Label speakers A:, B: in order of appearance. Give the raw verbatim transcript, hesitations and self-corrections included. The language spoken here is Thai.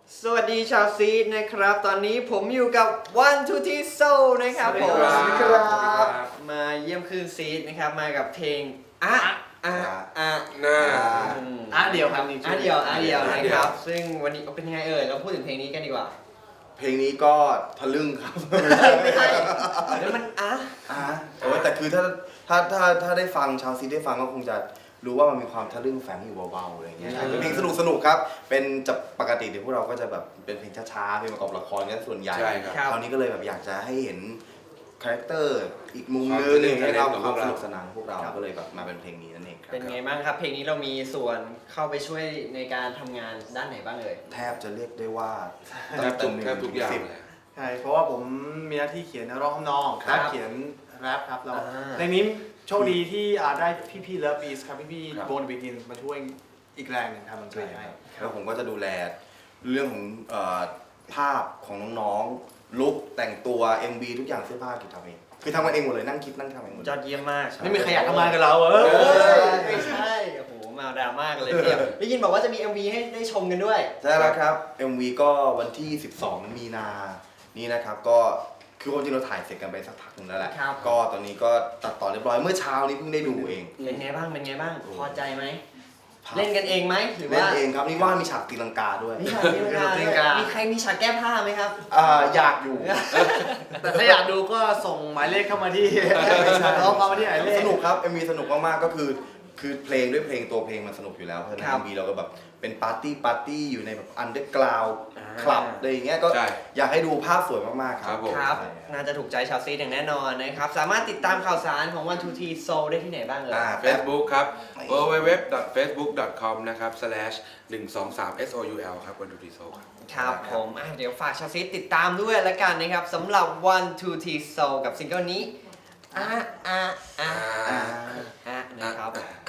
A: สวัสดีชาวซีดนะครับตอนนี้ผมอยู่กับ One Two Three Soul นะครับผม
B: สวัสดีครับ
A: มาเยี่ยมคืนซีดนะครับมากับเพลงอะอะอะ
B: น่า
C: อ่ะเดียวครับ
A: อะเดียวอะเดียว
B: อ่ะ
A: นะ
B: เดี
A: ค
B: ยว
A: รับซึ่งวันนี้เป็นยังไงเอ่ยเราพูดถึงเพลงนี้กันดีกว่า
D: เพลงนี้ก็ทะลึ่งครับ
A: ไม่ใช่แล้วมันอะ
D: อ่ะโอ้ยแต่คือถ้าถ้าถ้าถ้าได้ฟังชาวซีได้ฟังก็คงจะรู้ว่ามันมีความทะลึ่งแฝงอยู่เบาๆอะไรอย่างเงี้ยเป็นเพลงสนุกสนุกๆครับเป็นจะปกติเดี๋ยวพวกเราก็จะแบบเป็นเพลงช้าๆเพลงประกอบละครกันส่วนใหญ่
B: ใช่ครับ
D: คราวนี้ก็เลยแบบอยากจะให้เห็นคาแรคเตอร์อีกมุม
B: ความ
D: นึง
B: ทะลึ่ง
D: ให้เรา
B: ของ
D: ความ
B: พวก
D: ส
B: เรา
D: นุกสนานของพวกเราก็เลยแบบมาเป็นเพลงนี้นั่นเองครับ
A: เป็นไงบ้างครับ เพลงนี้เรามีส่วนเข้าไปช่วยในการทำงานด้านไหนบ้างเอ่ย
D: แทบจะเรียกได้ว่า
B: แทบทุกแทบทุกอย่าง
D: สิบ
B: เลย
C: ใช่เพราะว่าผมมีหน้าที่เขียนเนื้อร้องทำนอง
A: ครับ
C: และเขียนแรปครับแล้ว
A: อ่า
C: ในนี้โชคดีที่อ่าได้พี่ๆเลิฟบีสครับพี่
B: ครับ
C: ๆโบนบิกินมาช่วยอีกแรงหนึ่งทำดนตรีให้
D: แล้วผมก็จะดูแลเรื่องของเอ่อภาพของน้องๆลุคแต่งตัว เอ็ม วี ทุกอย่างเสื้อผ้ากิจทำเองคือทำกันเองหมดเลยนั่งคิดนั่งทำเองหมด
A: ยอดเยี่ยมมาก
C: ไม่มีใครอยากทำงานกับเราเอ
A: เอ้
C: อย
A: ไม่ใช่โอ้โหมาดราม่ากันเลยทีเดียวได้ยินบอกว่าจะมี เอ็ม วี ให้ได้ชมกันด้วย
D: ใช่แล้วครับ เอ็ม วี ก็วันที่ สิบสอง มีนา นี่นะครับก็คือความจริงเราถ่ายเสร็จกันไปสักพักหนึงแล้วแหละ
A: ครับ
D: ก็ตอนนี้ก็ตัดต่อเรียบร้อยเมื่อเช้านี้เพิ่งได้ดูเอง
A: เป็นไงบ้าง เป็นไงบ้าง พอใจไหม เล่นกันเองไหมหรือ
D: เล่น
A: ว่า
D: เองครับนี่ว่ามีฉากตีลังกาด้วย
A: มีฉากตีลังกาด้วยมีใครมีฉากแก้ผ้าไหมครับ
D: อ่าอยากอยู่
C: แต่ถ้าอยากดูก็ส่งหมายเลขเข้ามาที่ร้องเข้ามาที่หมายเลข
D: สนุกครับ เอ็ม วี สนุกมากๆก็คือคือเพลงด้วยเพลงตัวเพลงมันสนุกอยู่แล้วเพราะฉะนั้น
A: ครับ
D: เอ็ม วี เราก็แบบเป็นปาร์ตี้ปาร์ตี้อยู่ในแบบอันเดอร์กราวด์
A: อ่า
D: คลับอะไรอย่างเงี้ยก็
B: ใช่
D: อยากให้ดูภาพสวยมากๆค
B: ครั
D: รับบ
B: ผม
A: ครับ
D: ใช่
A: น่าจะถูกใจชาวซีดอย่างแน่นอนนะครับ สามารถติดตามข่าวสารของ One Two Three Soul ได้ที่ไหนบ้างเอ่ย
D: อ่า
B: เฟซบุ๊กครับ ดับเบิลยู ดับเบิลยู ดับเบิลยู ดอท เฟซบุ๊ก ดอท คอม นะครับ สแลช หนึ่ง สอง สาม เอส โอ ยู แอล ครับ วัน ทู ที โซ ครับ
A: ครับผมอ่ะเดี๋ยวฝากชาวซีดติดตามด้วยละกันนะครับสำหรับ One Two Three Soul กับซิงเกิลนี้อ่ะอ่ะอ่ะอ่ะอ่ะนะครับ